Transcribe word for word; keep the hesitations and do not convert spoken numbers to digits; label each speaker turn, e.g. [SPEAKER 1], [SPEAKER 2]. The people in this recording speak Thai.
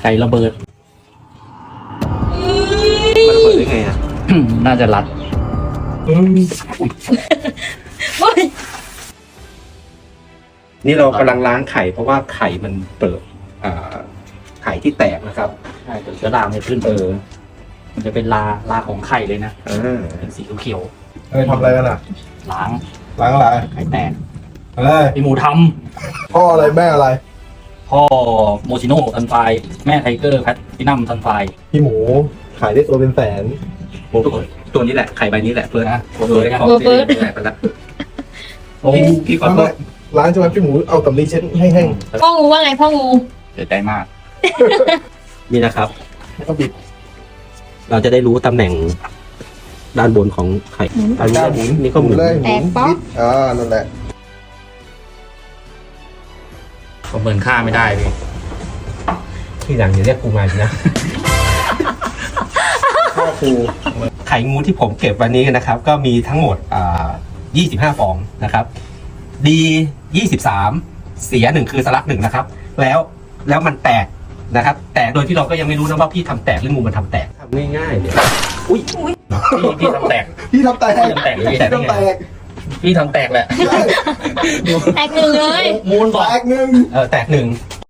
[SPEAKER 1] ข่ระเบิด
[SPEAKER 2] มันระเบิดได้ไงอ่ะ
[SPEAKER 1] น่าจะรัด
[SPEAKER 2] นี่เรากำลังล้างไข่เพราะว่าไข่มันเปิดอ่าไข่ที่แตกนะครับ
[SPEAKER 1] ใช่เดี๋ยวเชื้อรามันจะขึ้น
[SPEAKER 2] เออ
[SPEAKER 1] มันจะเป็นลาลาของไข่เลยนะ
[SPEAKER 2] อ่า
[SPEAKER 1] เป็นสีเขียว
[SPEAKER 3] เฮ้ยทำอะไรกันอ่ะ
[SPEAKER 1] ๆล้าง
[SPEAKER 3] ล้างอะไร
[SPEAKER 1] ไข่แตก
[SPEAKER 3] เฮ้ย
[SPEAKER 1] พี่หมูท
[SPEAKER 3] พ่ออะไรแม่อะไร
[SPEAKER 1] ำพ่อโมชิโน่ซันไฟแม่ไทเกอร์แพทตินัมซันไฟ
[SPEAKER 3] พี่หมูขายได้ตัวเป็นแสน
[SPEAKER 2] ตัวตัวนี้แหละไข่ใบนี้แหละเฟิร์ส
[SPEAKER 1] นะ
[SPEAKER 2] เฟิร์ส
[SPEAKER 1] เฟิร์ส
[SPEAKER 2] แตกไปแล้ว
[SPEAKER 1] โอ้
[SPEAKER 2] พี่พี่ขอโทษ
[SPEAKER 3] ล้างใช่ไหมพี่หมูเอาตำลีเช็ดให้แห้ง
[SPEAKER 4] พ่องูว่าไงพ่องู
[SPEAKER 1] เสียใจมาก
[SPEAKER 2] นี่นะครับ
[SPEAKER 3] แล้วก็บิด
[SPEAKER 2] เราจะได้รู้ตำแหน่งด้านบนของไข่อันนี้ก็หมุนนี่ก็หมุน
[SPEAKER 3] เลยหมุนบิดอ่านั่นแหละ
[SPEAKER 1] ประเมินค่าไม่ได้พี่
[SPEAKER 2] ที่หลังอย่าเรียกกูมาอีกนะ
[SPEAKER 3] พ่อครู
[SPEAKER 2] ไข่งูที่ผมเก็บวันนี้นะครับ ก็มีทั้งหมดอ่ายี่สิบห้าฟองนะครับ ดียี่สิบสามเสียหนึ่งคือสลักหนึ่งนะครับ แล้วแล้วมันแตกนะครับ แตกโดยที่เราก็ยังไม่รู้นะว่าพี่ทำแตกหรืองูมันทำแตกทำง่ายๆเลยอุ้ย
[SPEAKER 1] พี่พี่ทำแตก
[SPEAKER 3] พี่ทำแตก
[SPEAKER 1] พี่ทำแตก
[SPEAKER 3] พี่ทำแตก
[SPEAKER 1] พี่ทำแตกแหละ
[SPEAKER 4] แตกหนึ่งเลย
[SPEAKER 1] มูลบอก
[SPEAKER 3] แตกหนึ่ง
[SPEAKER 2] เออแตกหนึ่ง